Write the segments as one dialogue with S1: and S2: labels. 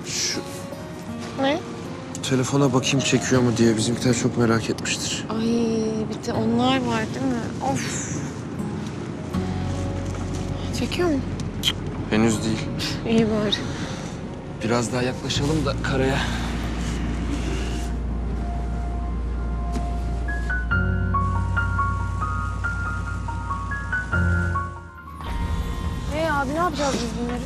S1: Şu
S2: Ne?
S1: telefona bakayım çekiyor mu diye bizimkiler çok merak etmiştir.
S2: Ay bir de onlar var değil mi? Of. Çekiyor mu?
S1: Henüz değil.
S2: İyi bari.
S1: Biraz daha yaklaşalım da karaya.
S2: Abi ne yapacağız biz bunları?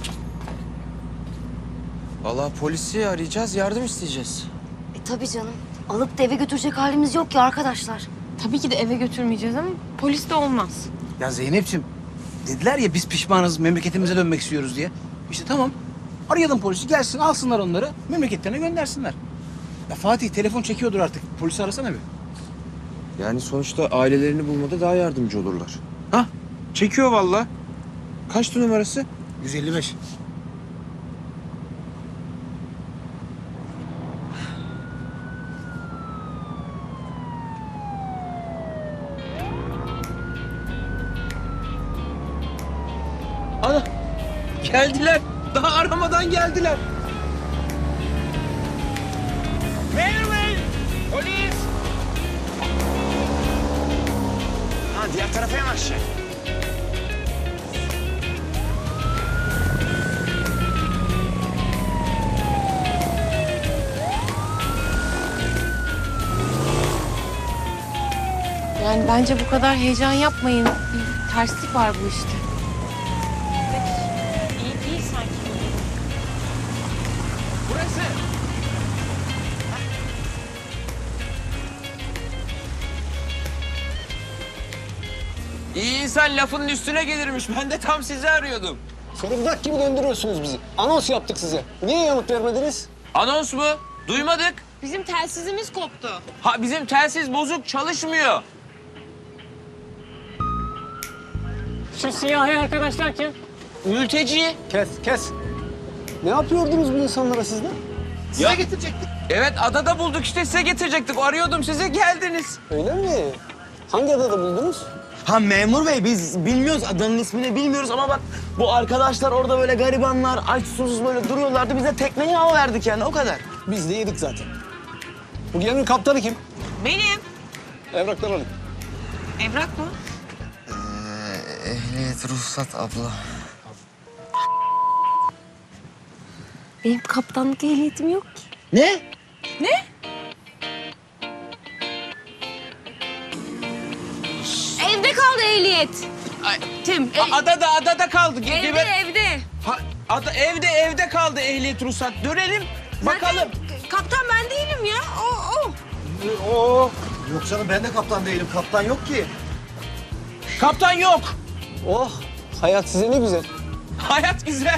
S1: Vallahi polisi arayacağız, yardım isteyeceğiz.
S3: Tabii canım. Alıp da eve götürecek halimiz yok ki arkadaşlar.
S2: Tabii ki de eve götürmeyeceğiz ama polis de olmaz.
S4: Ya Zeynep'ciğim dediler ya biz pişmanız memleketimize dönmek istiyoruz diye. İşte tamam arayalım polisi gelsin alsınlar onları memleketlerine göndersinler. Ya Fatih telefon çekiyordur artık polisi arasana bir.
S1: Yani sonuçta ailelerini bulmada daha yardımcı olurlar.
S4: Ha
S1: Çekiyor vallahi. Kaçtı numarası?
S4: 155.
S1: Ana! Geldiler. Daha aramadan geldiler.
S5: Memur Bey! Polis! Ha, diğer tarafa yanaşacak.
S2: Yani bence bu kadar heyecan yapmayın. Bir terslik var bu işte. İyi değil sanki.
S5: Burası! İyi insan lafının üstüne gelirmiş. Ben de tam sizi arıyordum.
S6: Fırıldak gibi döndürüyorsunuz bizi. Anons yaptık size. Niye yanıt vermediniz?
S5: Anons mu? Duymadık.
S2: Bizim telsizimiz koptu.
S5: Ha, bizim telsiz bozuk, çalışmıyor.
S6: Şu siyahi arkadaşlar kim?
S5: Mülteci.
S6: Kes. Ne yapıyordunuz bu insanlara siz de?
S5: Size getirecektik. Evet, adada bulduk işte, size getirecektik. Arıyordum size, geldiniz.
S6: Öyle mi? Hangi adada buldunuz?
S7: Ha memur bey biz bilmiyoruz adanın ismini bilmiyoruz ama bak bu arkadaşlar orada böyle garibanlar aç susuz böyle duruyorlardı biz de tekneyi hava verdik yani o kadar.
S6: Biz de yedik zaten. Bu geminin kaptanı kim?
S2: Benim.
S6: Evraklar alayım.
S2: Evrak mı?
S1: Ehliyet, ruhsat abla.
S3: Benim kaptanlık ehliyetim yok ki.
S7: Ne?
S2: Evde kaldı ehliyet. Tim.
S5: Adada kaldı.
S2: Evde.
S5: Evde kaldı ehliyet ruhsat. Dönelim, bakalım.
S2: Kaptan ben değilim ya. O.
S6: Yok canım ben de kaptan değilim. Kaptan yok ki.
S5: Kaptan yok.
S6: Oh hayat size ne güzel.
S5: Hayat güzel.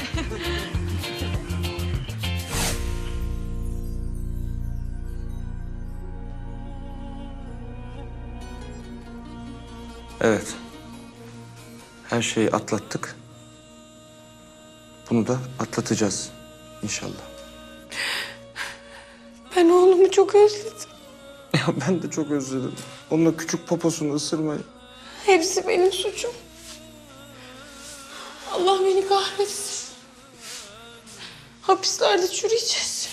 S1: Evet. Her şeyi atlattık. Bunu da atlatacağız inşallah.
S2: Ben oğlumu çok özledim.
S1: Ya ben de çok özledim. Onun o küçük poposunu ısırmayı.
S2: Hepsi benim suçum. Allah beni kahretsin. Hapislerde çürüyeceğiz.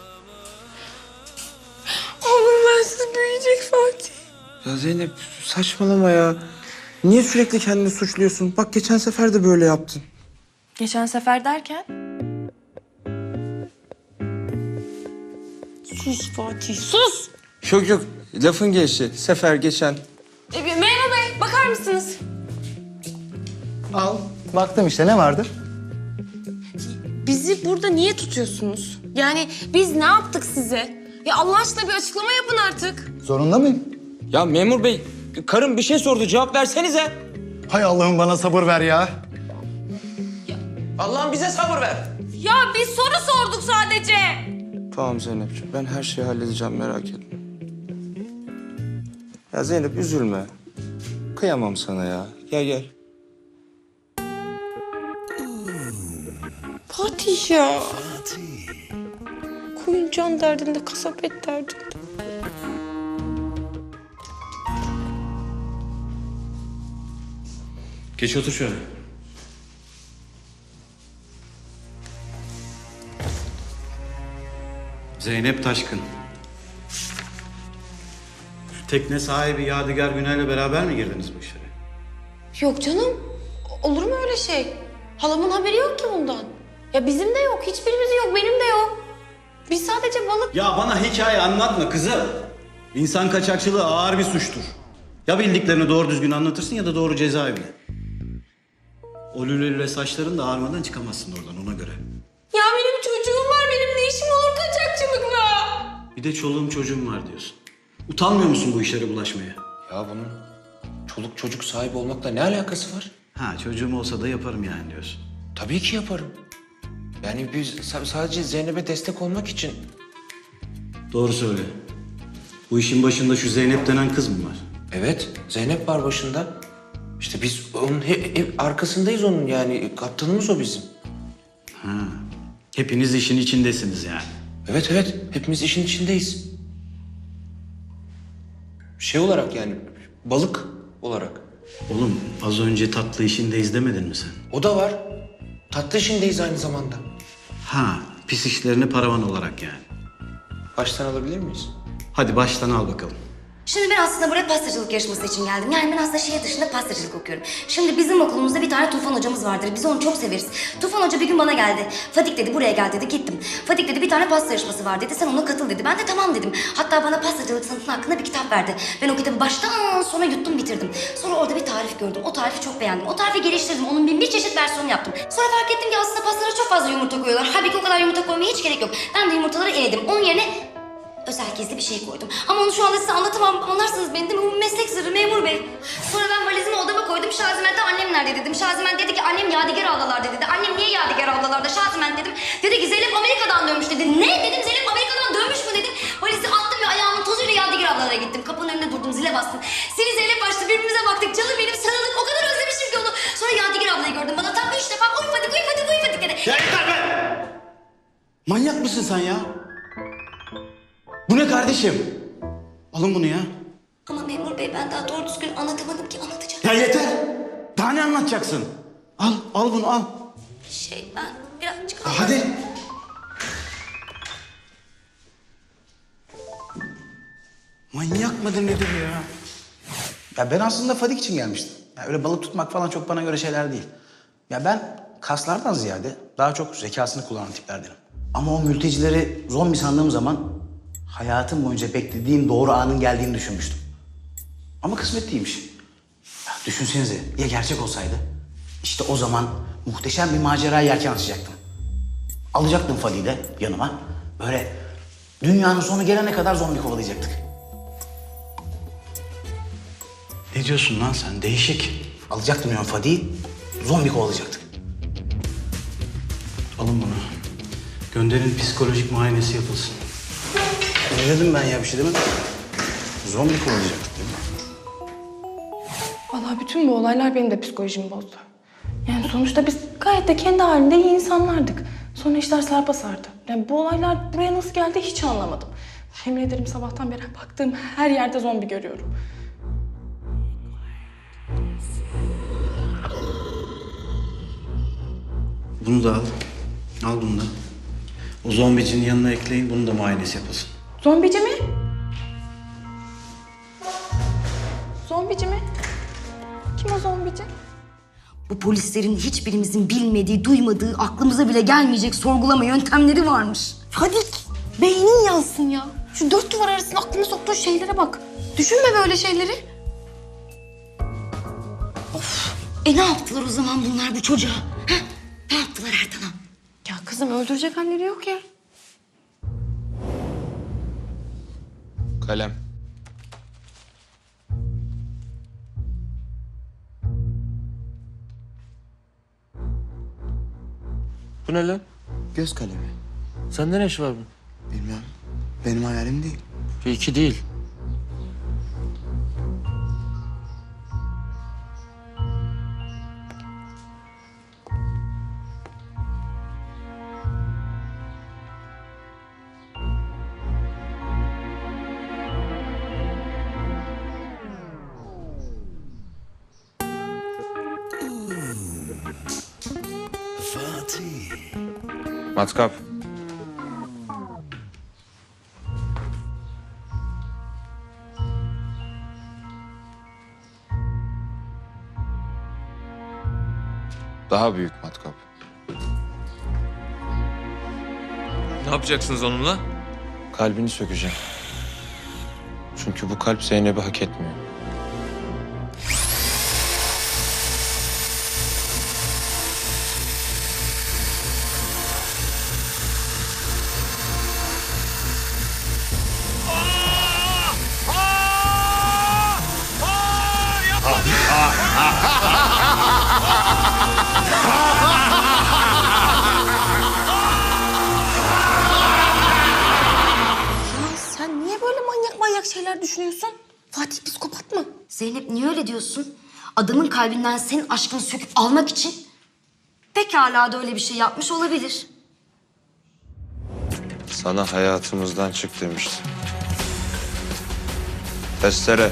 S2: Oğlum bensiz büyüyecek Fatih.
S1: Ya Zeynep saçmalama ya. Niye sürekli kendini suçluyorsun? Bak geçen sefer de böyle yaptın.
S3: Geçen sefer derken?
S2: Sus Fatih sus.
S1: Yok lafın gelişi. Sefer geçen.
S2: Memur Bey bakar mısınız?
S6: Al. Baktım işte ne vardı?
S2: Bizi burada niye tutuyorsunuz? Yani biz ne yaptık size? Ya Allah aşkına bir açıklama yapın artık.
S6: Zorunda mıyım?
S5: Ya memur bey, karım bir şey sordu. Cevap versenize.
S6: Hay Allah'ım bana sabır ver ya.
S5: Allah'ım bize sabır ver.
S2: Ya biz soru sorduk sadece.
S1: Tamam Zeynepciğim ben her şeyi halledeceğim merak etme. Ya Zeynep üzülme. Kıyamam sana ya. Gel.
S2: Fatih ya. Koyun can derdinde, kasap et derdinde.
S8: Geç otur şöyle. Zeynep Taşkın. Tekne sahibi Yadigar Günay'la beraber mi girdiniz bu işlere?
S2: Yok canım. Olur mu öyle şey? Halamın haberi yok ki bundan. Ya bizim de yok. Hiçbirimizin yok. Benim de yok. Biz sadece balık...
S8: Ya bana hikaye anlatma kızım. İnsan kaçakçılığı ağır bir suçtur. Ya bildiklerini doğru düzgün anlatırsın ya da doğru cezaevine. O lülelüle saçların da ağarmadan çıkamazsın oradan ona göre.
S2: Ya benim çocuğum var. Benim ne işim olur kaçakçılıkla?
S8: Bir de çoluğum çocuğum var diyorsun. Utanmıyor musun bu işlere bulaşmaya?
S5: Ya bunun çoluk çocuk sahibi olmakla ne alakası var?
S8: Ha çocuğum olsa da yaparım yani diyorsun.
S5: Tabii ki yaparım. Yani biz sadece Zeynep'e destek olmak için...
S8: Doğru söyle. Bu işin başında şu Zeynep denen kız mı var?
S5: Evet, Zeynep var başında. İşte biz onun arkasındayız onun yani. Kaptanımız o bizim.
S8: Ha. Hepiniz işin içindesiniz yani.
S5: Evet evet, hepimiz işin içindeyiz. Şey olarak yani, balık olarak.
S8: Oğlum az önce tatlı işindeyiz demedin mi sen?
S5: O da var. Tatlı işindeyiz aynı zamanda.
S8: Ha, pis işlerini paravan olarak yani.
S5: Baştan alabilir miyiz?
S8: Hadi baştan al bakalım.
S3: Şimdi ben aslında buraya pastacılık yarışması için geldim. Yani ben aslında şehir dışında pastacılık okuyorum. Şimdi bizim okulumuzda bir tane Tufan hocamız vardır. Biz onu çok severiz. Tufan hoca bir gün bana geldi. Fadik dedi buraya gel dedi. Gittim. Fadik dedi bir tane pasta yarışması var dedi. Sen ona katıl dedi. Ben de tamam dedim. Hatta bana pastacılık sanatının hakkında bir kitap verdi. Ben o kitabı baştan sona yuttum bitirdim. Sonra orada bir tarif gördüm. O tarifi çok beğendim. O tarifi geliştirdim. Onun bin bir çeşit versiyonu yaptım. Sonra fark ettim ki aslında pastalara çok fazla yumurta koyuyorlar. Halbuki o kadar yumurta koymaya hiç gerek yok. Ben de yumurtaları eledim. Onun yerine özel gizli bir şey koydum. Ama onu şu anda size anlatamam. Anlarsınız beni değil mi? Bu meslek sırrı memur bey. Sonra ben valizimi odama koydum. Şaziment'e annem nerede dedim. Şaziment dedi ki annem Yadigar ablalarda dedi. Annem niye Yadigar ablalarda? Şaziment dedim. Dedi ki Zeynep Amerika'dan dönmüş dedi. Ne dedim Zeynep Amerika'dan dönmüş mü dedim. Valizi attım ve ayağımın tozuyla Yadigar ablalara gittim. Kapının önünde durdum zile bastım. Seni Zeynep başta birbirimize baktık. Canım benim sarıldık. O kadar özlemişim ki onu. Sonra Yadigar ablayı gördüm. Bana tam 3 defa uy Fadik uy Fadik uy Fadik dedi.
S8: Ya yeter be! Manyak mısın sen ya? Bu ne kardeşim? Alın bunu ya.
S3: Ama memur bey ben daha doğru düzgün anlatamadım ki anlatacağım.
S8: Ya yeter! Daha ne anlatacaksın? Al bunu al.
S3: Ben birazcık...
S8: Hadi. Manyak mıdır nedir ya?
S4: Ya ben aslında Fadik için gelmiştim. Ya öyle balık tutmak falan çok bana göre şeyler değil. Ya ben kaslardan ziyade daha çok zekasını kullanan tiplerdenim. Ama o mültecileri zombi sandığım zaman hayatım boyunca beklediğim doğru anın geldiğini düşünmüştüm. Ama kısmet değilmiş. Ya düşünsenize ya gerçek olsaydı? İşte o zaman muhteşem bir maceraya yelken açacaktım. Alacaktım Fadik'i de yanıma. Böyle dünyanın sonu gelene kadar zombi kovalayacaktık.
S8: Ne diyorsun lan sen? Değişik.
S4: Alacaktım yani Fadik'i, zombi kovalayacaktık.
S8: Alın bunu. Gönderin psikolojik muayenesi yapılsın.
S4: Ne dedim ben ya bir şey demedim. Zombi kovalayacaktık değil mi?
S9: Vallahi bütün bu olaylar benim de psikolojimi bozdu. Yani sonuçta biz gayet de kendi halinde iyi insanlardık. Sonra işler sarpa sardı. Yani bu olaylar buraya nasıl geldi hiç anlamadım. Yemin ederim sabahtan beri baktığım her yerde zombi görüyorum.
S8: Bunu da al. Al bunu da. O zombicinin yanına ekleyin. Bunu da muayenesi yapılsın.
S9: Zombici mi? Zombici mi? Kim o zombici?
S3: Bu polislerin hiçbirimizin bilmediği, duymadığı, aklımıza bile gelmeyecek sorgulama yöntemleri varmış.
S2: Fadik, beynin yansın ya. Şu dört duvar arasında aklına soktuğun şeylere bak. Düşünme böyle şeyleri.
S3: Ne yaptılar o zaman bunlar bu çocuğa? Ha? Ne yaptılar Ertan'a?
S2: Ya kızım öldürecek halleri yok ya.
S5: Kalem. Bu ne lan?
S7: Göz kalemi.
S5: Sende ne iş var bu?
S7: Bilmem. Benim hayalim değil.
S5: İki değil. Matkap. Daha büyük matkap.
S10: Ne yapacaksınız onunla?
S5: Kalbini sökeceğim. Çünkü bu kalp Zeynep'i hak etmiyor.
S2: Sen niye böyle manyak manyak şeyler düşünüyorsun? Fatih psikopat mı?
S3: Zeynep niye öyle diyorsun? Adamın kalbinden senin aşkını söküp almak için pekala da öyle bir şey yapmış olabilir.
S5: Sana hayatımızdan çık demiştim. Testere.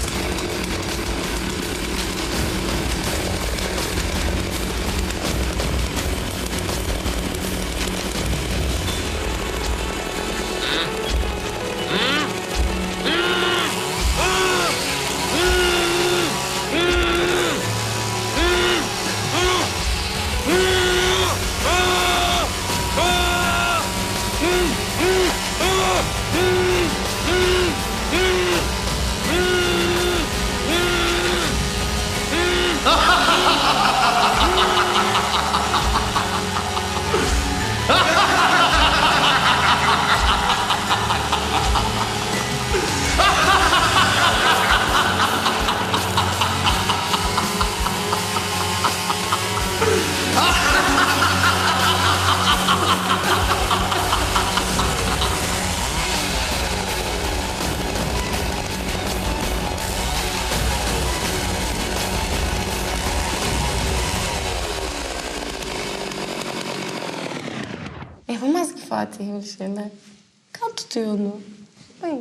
S2: Yapamaz ki Fatih öyle şeyler. Kan tutuyor onu. Ay.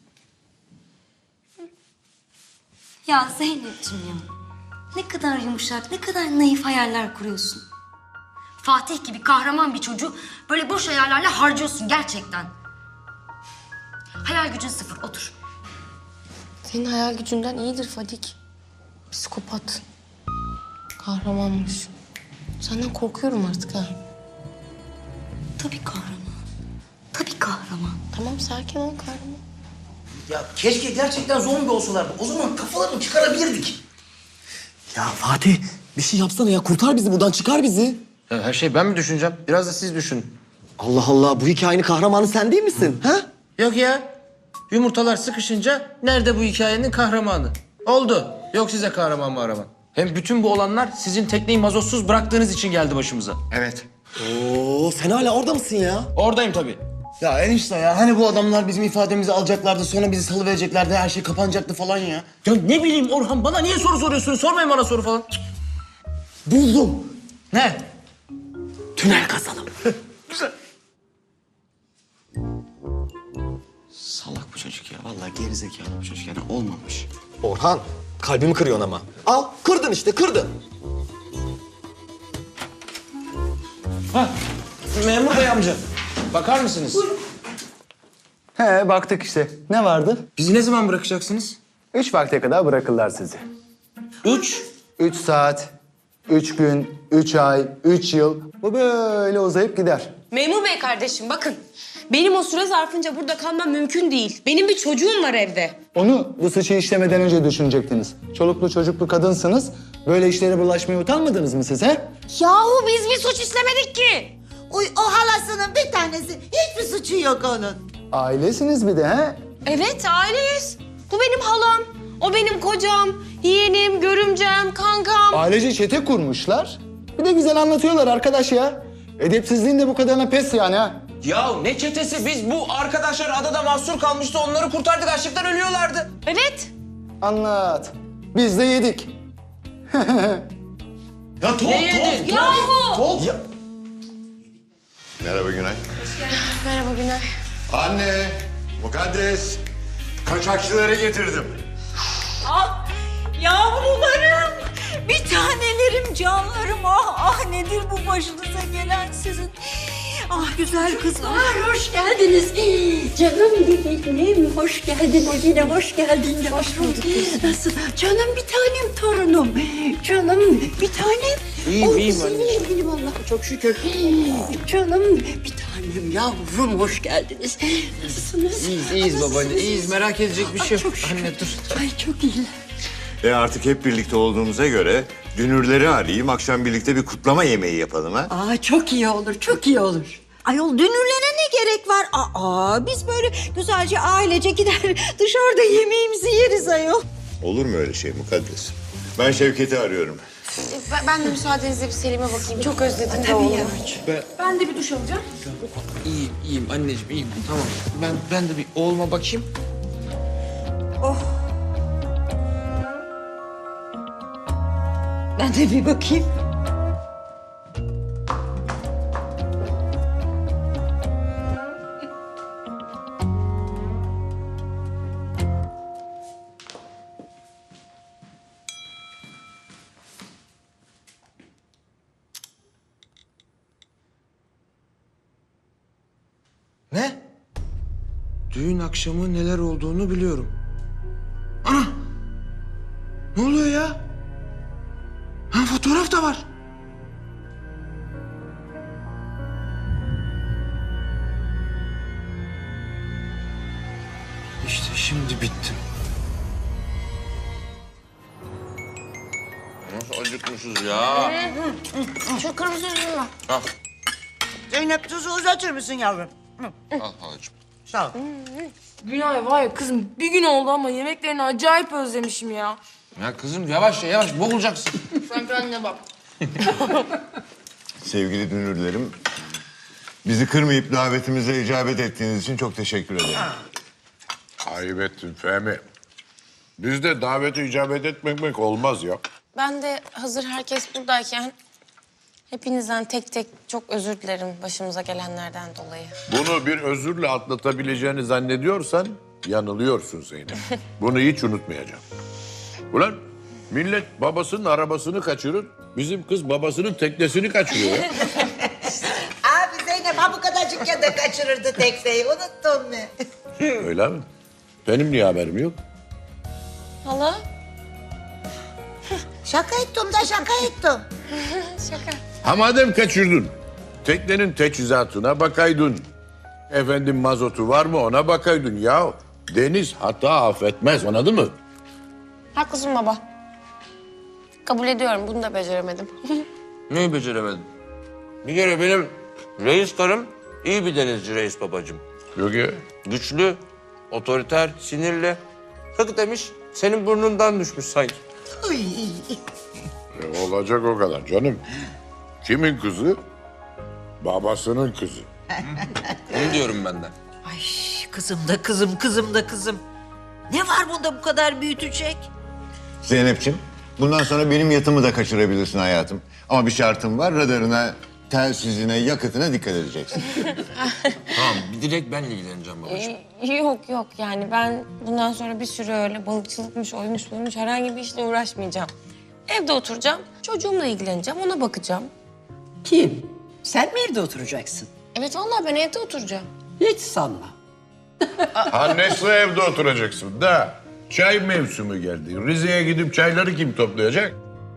S3: Ya Zeynep'ciğim ya. Ne kadar yumuşak, ne kadar naif hayaller kuruyorsun. Fatih gibi kahraman bir çocuğu böyle boş hayallerle harcıyorsun gerçekten. Hayal gücün sıfır, otur.
S2: Senin hayal gücünden iyidir Fadik. Psikopat. Kahramanmış. Senden korkuyorum artık ha.
S3: Tabii kahraman. Tabii kahraman.
S2: Tamam sakin ol kahraman.
S4: Ya keşke gerçekten zombi olsalardı. O zaman kafalarını çıkarabilirdik.
S7: Ya Fatih bir şey yapsana ya. Kurtar bizi buradan, çıkar bizi.
S5: Ya her şeyi ben mi düşüneceğim? Biraz da siz düşünün.
S7: Allah Allah, bu hikayenin kahramanı sen değil misin? Ha?
S5: Yok ya. Yumurtalar sıkışınca nerede bu hikayenin kahramanı? Oldu. Yok size kahraman mahraman. Hem bütün bu olanlar sizin tekneyi mazotsuz bıraktığınız için geldi başımıza.
S7: Evet. Oo, sen hala orada mısın ya?
S5: Oradayım tabii.
S7: Ya enişte ya, hani bu adamlar bizim ifademizi alacaklardı, sonra bizi salıvereceklerdi, her şey kapanacaktı falan ya.
S4: Ya ne bileyim Orhan, bana niye soru soruyorsun? Sormayın bana soru falan.
S7: Buldum.
S4: Ne?
S7: Tünel kazalım.
S1: Salak bu çocuk ya. Vallahi gerizekalı bu çocuk yani olmamış.
S7: Orhan, kalbimi kırıyorsun ama. Al, kırdın işte, kırdın.
S5: Memur bey amca. Bakar mısınız?
S11: He baktık işte. Ne vardı?
S5: Bizi ne zaman bırakacaksınız?
S11: 3 vakte kadar bırakırlar sizi. 3 saat, 3 gün, 3 ay, 3 yıl. Bu böyle uzayıp gider.
S2: Memur bey kardeşim bakın. Benim o süre zarfınca burada kalmam mümkün değil. Benim bir çocuğum var evde.
S11: Onu bu suçu işlemeden önce düşünecektiniz. Çoluklu çocuklu kadınsınız. Böyle işlere bulaşmaya utanmadınız mı siz he?
S2: Yahu biz bir suç işlemedik ki.
S12: O halasının bir tanesi. Hiçbir suçu yok onun.
S11: Ailesiniz bir de he?
S2: Evet aileyiz. Bu benim halam. O benim kocam, yeğenim, görümcem, kankam.
S11: Ailece çete kurmuşlar. Bir de güzel anlatıyorlar arkadaş ya. Edepsizliğin de bu kadarına pes yani ha.
S5: Ya ne çetesi? Biz bu arkadaşlar adada mahsur kalmıştı. Onları kurtardık. Açlıktan ölüyorlardı.
S2: Evet.
S11: Anlat. Biz de yedik.
S7: Ya top,
S2: Yahu.
S13: Merhaba Günay.
S2: Merhaba Günay.
S13: Anne, mukaddes. Kaçakçıları getirdim.
S12: Ah yavrularım. Bir tanelerim, canlarım. Ah nedir bu başınıza gelen sizin? Ah güzel kızlar, hoş geldiniz. Canım benim, hoş geldiniz. Yine hoş geldin yavrum. Nasıl? Canım bir tanem torunum. Canım bir tanem.
S5: İyiyim
S12: anneciğim. Benim Allah'a çok şükür. Canım bir tanem yavrum, hoş geldiniz. Nasılsınız?
S5: İyiyiz babaanne, iyiyiz. Merak edecek bir şey yok. Anne dur.
S12: Ay çok iyiler.
S13: Artık hep birlikte olduğumuza göre dünürleri arayayım. Akşam birlikte bir kutlama yemeği yapalım ha.
S12: Çok iyi olur, çok iyi olur. Ayol dünürlere ne gerek var? Biz böyle güzelce ailece gider dışarıda yemeğimizi yeriz ayol.
S13: Olur mu öyle şey Mukaddes? Ben Şevket'i arıyorum.
S2: Ben de müsaadenizle bir Selim'e bakayım. Çok özledim de oğlum.
S9: Ben de bir duş alacağım.
S5: İyiyim anneciğim, iyiyim. Tamam. Ben de bir oğluma bakayım.
S12: Ben de bir bakayım.
S5: Ne? Düğün akşamı neler olduğunu biliyorum. Ana! Ne oluyor ya? Ha, fotoğraf da var. İşte şimdi bittim.
S10: Nasıl acıkmışız ya?
S2: Şu kırmızı üzümü.
S12: Zeynep tuzu uzatır mısın yavrum?
S10: Al halacığım.
S12: Sağ ol.
S9: Günay var ya kızım bir gün oldu ama yemeklerini acayip özlemişim ya.
S5: Ya kızım yavaş boğulacaksın.
S9: Sen kendine bak.
S13: Sevgili dünürlerim, bizi kırmayıp davetimize icabet ettiğiniz için çok teşekkür ederim.
S14: Ayıp ettin Fehmi. Bizde davete icabet etmemek olmaz ya.
S2: Ben de hazır herkes buradayken hepinizden tek tek çok özür dilerim başımıza gelenlerden dolayı.
S14: Bunu bir özürle atlatabileceğini zannediyorsan yanılıyorsun Zeynep. Bunu hiç unutmayacağım. Ulan millet babasının arabasını kaçırır, bizim kız babasının teknesini kaçırıyor ya.
S12: Abi Zeynep ha bu kadarcıkken de kaçırırdı tekneyi. Unuttun mu?
S14: Öyle mi? Benim niye haberim yok?
S2: Hala?
S12: Şaka ettim de şaka ettim.
S2: Şaka.
S14: Ha madem kaçırdın, teknenin teçhizatına bakaydın. Efendim mazotu var mı ona bakaydın ya. Deniz hata affetmez, anladın mı?
S2: Haklısın baba. Kabul ediyorum bunu da beceremedim.
S5: Neyi beceremedin? Bir kere benim reis karım iyi bir denizci reis babacığım.
S14: Yok ya.
S5: Güçlü, otoriter, sinirli. Hık demiş, senin burnundan düşmüş sanki.
S14: Olacak o kadar canım. Kimin kızı? Babasının kızı.
S5: Onu diyorum ben de.
S12: Ay kızım da kızım, kızım da kızım. Ne var bunda bu kadar büyütecek?
S13: Zeynep'ciğim, bundan sonra benim yatımı da kaçırabilirsin hayatım. Ama bir şartım var, radarına, telsizine, yakıtına dikkat edeceksin.
S5: Tamam, bir direkt benle ilgileneceğim babacığım.
S2: Yok yani ben bundan sonra bir süre öyle balıkçılıkmış, oymuş buymuş herhangi bir işle uğraşmayacağım. Evde oturacağım, çocuğumla ilgileneceğim, ona bakacağım.
S12: Kim? Sen mi evde oturacaksın?
S2: Evet vallahi ben evde oturacağım.
S12: Hiç sanma.
S14: Annesi evde oturacaksın da. Çay mevsimi geldi. Rize'ye gidip çayları kim toplayacak?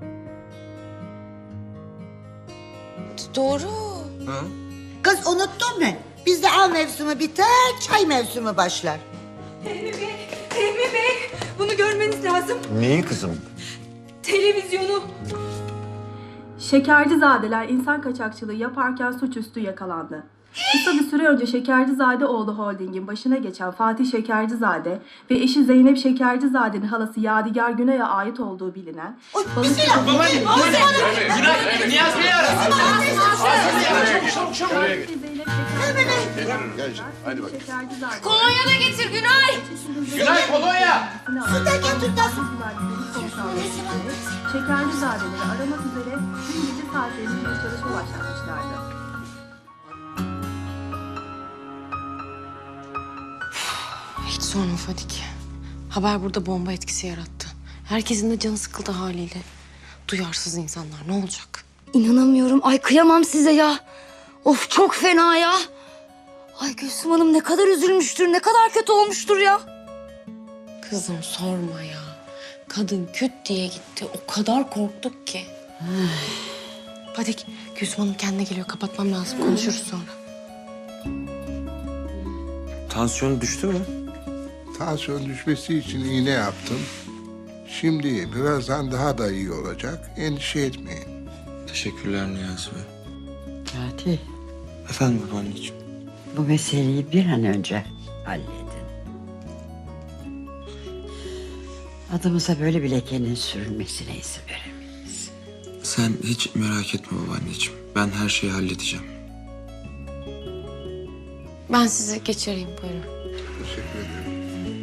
S2: Doğru.
S12: Kız unuttun mu? Bizde av mevsimi biter, çay mevsimi başlar.
S9: Fehmi Bey, bunu görmeniz lazım.
S13: Neyi kızım?
S9: Televizyonu.
S15: Şekercizadeler insan kaçakçılığı yaparken suçüstü yakalandı. Kısa bir süre önce Şekercizadeoğlu Holding'in başına geçen Fatih Şekercizade ve eşi Zeynep Şekercizade'nin halası Yadigar Günay'a ait olduğu bilinen...
S5: Niyaz Bey'i arasın.
S14: Hadi bak.
S2: Kolonya da getir Günay.
S5: Günay kolonya.
S12: Su da getir de su.
S15: Şekercizadeleri aramak üzere dün gece saatlerinde bir çalışma başlatmışlardı.
S2: Hiç sorma Fadik. Haber burada bomba etkisi yarattı. Herkesin de canı sıkıldı haliyle. Duyarsız insanlar ne olacak?
S3: İnanamıyorum. Ay kıyamam size ya. Of çok fena ya. Ay Gülsüm Hanım ne kadar üzülmüştür, ne kadar kötü olmuştur ya.
S2: Kızım sorma ya. Kadın küt diye gitti. O kadar korktuk ki. Fadik, Gülsüm Hanım kendine geliyor. Kapatmam lazım. Konuşuruz sonra.
S5: Tansiyon düştü mü?
S16: Tansiyon düşmesi için iğne yaptım. Şimdi birazdan daha da iyi olacak. Endişe etmeyin.
S5: Teşekkürler Niyazi Bey.
S12: Fatih,
S5: Efendim babaanneciğim.
S12: bu meseleyi bir an önce halledin. Adımıza böyle bir lekenin sürülmesine izin veremeyiz.
S5: Sen hiç merak etme babaanneciğim. Ben her şeyi halledeceğim.
S2: Ben sizi geçireyim. Buyurun.
S16: Teşekkür ederim.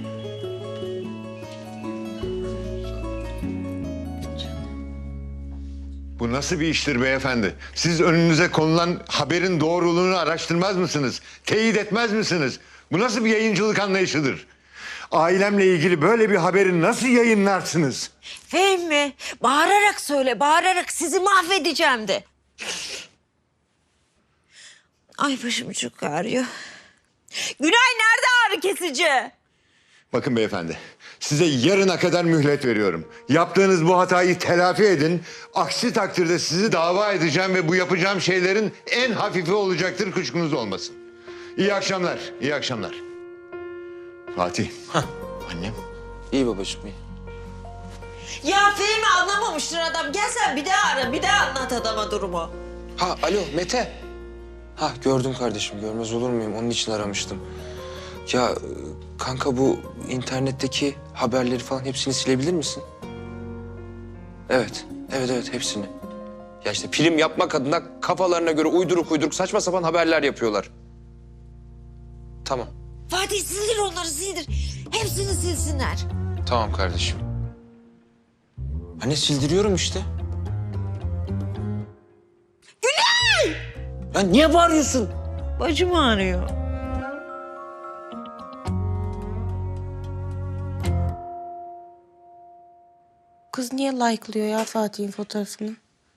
S13: Bu nasıl bir iştir beyefendi? Siz önünüze konulan haberin doğruluğunu araştırmaz mısınız? Teyit etmez misiniz? Bu nasıl bir yayıncılık anlayışıdır? Ailemle ilgili böyle bir haberi nasıl yayınlarsınız?
S12: Fehmi, bağırarak söyle, bağırarak sizi mahvedeceğim de. Ay başım çok ağrıyor. Günay nerede ağrı kesici?
S13: Bakın beyefendi, size yarına kadar mühlet veriyorum. Yaptığınız bu hatayı telafi edin. Aksi takdirde sizi dava edeceğim ve bu yapacağım şeylerin en hafifi olacaktır, kuşkunuz olmasın. İyi akşamlar, iyi akşamlar. Fatih. Annem.
S5: İyi babacığım iyi.
S12: Ya Fehmi anlamamıştır adam. Gel sen bir daha ara, bir daha anlat adama durumu.
S5: Ha alo Mete. Ha gördüm kardeşim, görmez olur muyum? Onun için aramıştım. Ya kanka bu internetteki haberleri falan hepsini silebilir misin? Evet, evet hepsini. Ya işte prim yapmak adına kafalarına göre uyduruk saçma sapan haberler yapıyorlar. Tamam,
S12: Fatih sildir onları, sildir. Hepsini silsinler.
S5: tamam kardeşim. Anne sildiriyorum işte.
S12: Günay!
S5: Ya niye bağırıyorsun?
S12: Bacım ağrıyor.
S2: Kız niye like'lıyor ya Fatih'in fotoğrafını?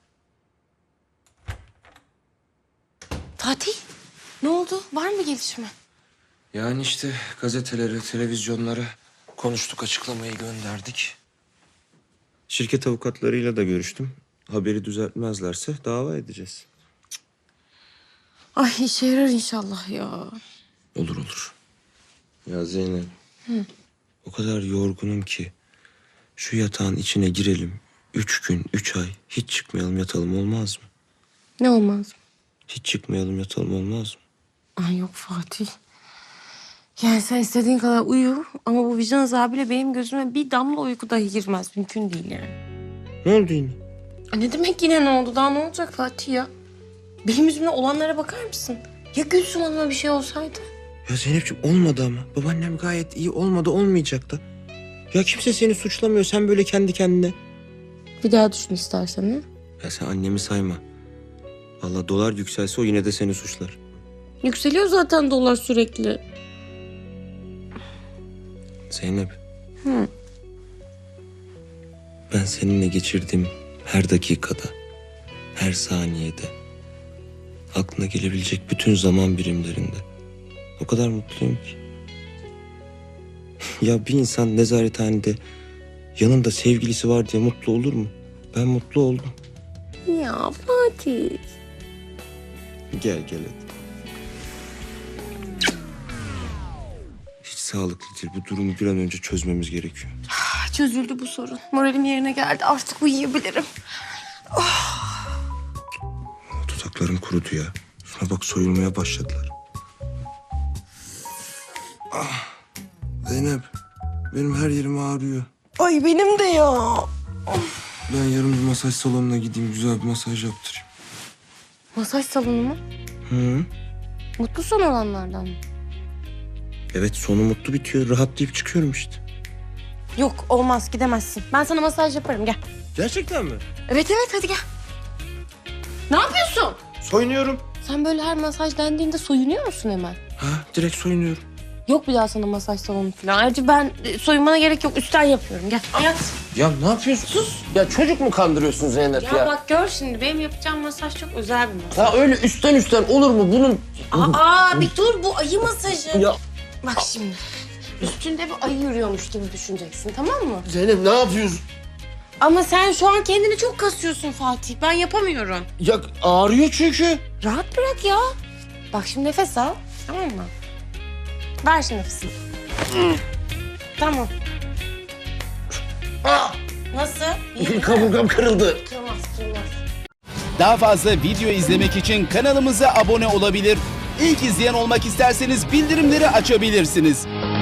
S2: Fatih, ne oldu? Var mı gelişme?
S5: Yani işte gazetelere, televizyonlara konuştuk, açıklamayı gönderdik. Şirket avukatlarıyla da görüştüm. Haberi düzeltmezlerse dava edeceğiz.
S2: Ay işe yarar inşallah ya.
S5: Olur. Ya Zeynep,
S2: Hı.
S5: o kadar yorgunum ki şu yatağın içine girelim. 3 gün, 3 ay hiç çıkmayalım yatalım olmaz mı?
S2: Ne olmaz?
S5: Hiç çıkmayalım yatalım olmaz mı?
S2: Ay yok Fatih. Yani sen istediğin kadar uyu ama bu vicdan azabıyla benim gözüme bir damla uyku dahi girmez. Mümkün değil yani.
S5: Ne oldu yine?
S2: Ay ne demek yine ne oldu? Daha ne olacak Fatih ya? Benim yüzümden olanlara bakar mısın? Ya Gülsüm Hanım'a bir şey olsaydı?
S5: Ya Zeynep'ciğim olmadı ama. Babaannem gayet iyi, olmadı olmayacak da. Ya kimse seni suçlamıyor, sen böyle kendi kendine.
S2: Bir daha düşün istersen ha?
S5: Ya sen annemi sayma. Vallahi dolar yükselse o yine de seni suçlar.
S2: Yükseliyor zaten dolar sürekli.
S5: Zeynep,
S2: Hı.
S5: ben seninle geçirdiğim her dakikada, her saniyede, aklına gelebilecek bütün zaman birimlerinde o kadar mutluyum ki. Ya bir insan nezarethanede yanında sevgilisi var diye mutlu olur mu? Ben mutlu oldum.
S2: Ya Fatih.
S5: Gel hadi. Hiç sağlıklı değil. Bu durumu bir an önce çözmemiz gerekiyor.
S2: Çözüldü bu sorun. Moralim yerine geldi. Artık uyuyabilirim.
S5: Dudaklarım kurudu ya. Şuna bak soyulmaya başladılar. Zeynep, benim her yerim ağrıyor.
S2: Ay benim de ya.
S5: Ben yarın bir masaj salonuna gideyim, güzel bir masaj yaptırayım.
S2: Masaj salonu mu?
S5: Hı?
S2: Mutlu son olanlardan mı?
S5: Evet, sonu mutlu bitiyor. Rahatlayıp çıkıyorum işte.
S2: Yok olmaz gidemezsin. Ben sana masaj yaparım gel.
S5: Gerçekten mi?
S2: Evet hadi gel. Ne yapıyorsun?
S5: Soyunuyorum.
S2: Sen böyle her masaj dendiğinde soyunuyor musun hemen?
S5: Ha, direkt soyunuyorum.
S2: Yok bir daha sana masaj salonu falan. Ayrıca ben soyunmana gerek yok. Üstten yapıyorum. Gel. Yat.
S7: Ya ne yapıyorsun? Sus. Ya çocuk mu kandırıyorsun Zeynep ya?
S2: Ya bak gör şimdi. Benim yapacağım masaj çok özel bir masaj.
S7: Ya öyle üstten olur mu? Bunun...
S2: Aa bir dur, bu ayı masajı.
S7: Ya
S2: Bak şimdi. Üstünde bir ayı yürüyormuş gibi düşüneceksin, tamam mı?
S7: Zeynep ne yapıyorsun?
S2: Ama sen şu an kendini çok kasıyorsun Fatih. Ben yapamıyorum.
S7: Ya ağrıyor çünkü.
S2: Rahat bırak ya. Bak şimdi nefes al. Tamam mı? Ver şimdi nefesini. Tamam. Nasıl? İyi mi?
S7: Kaburgam kırıldı.
S2: Kırmaz, kırmaz.
S17: Daha fazla video izlemek için kanalımıza abone olabilir. İlk izleyen olmak isterseniz bildirimleri açabilirsiniz.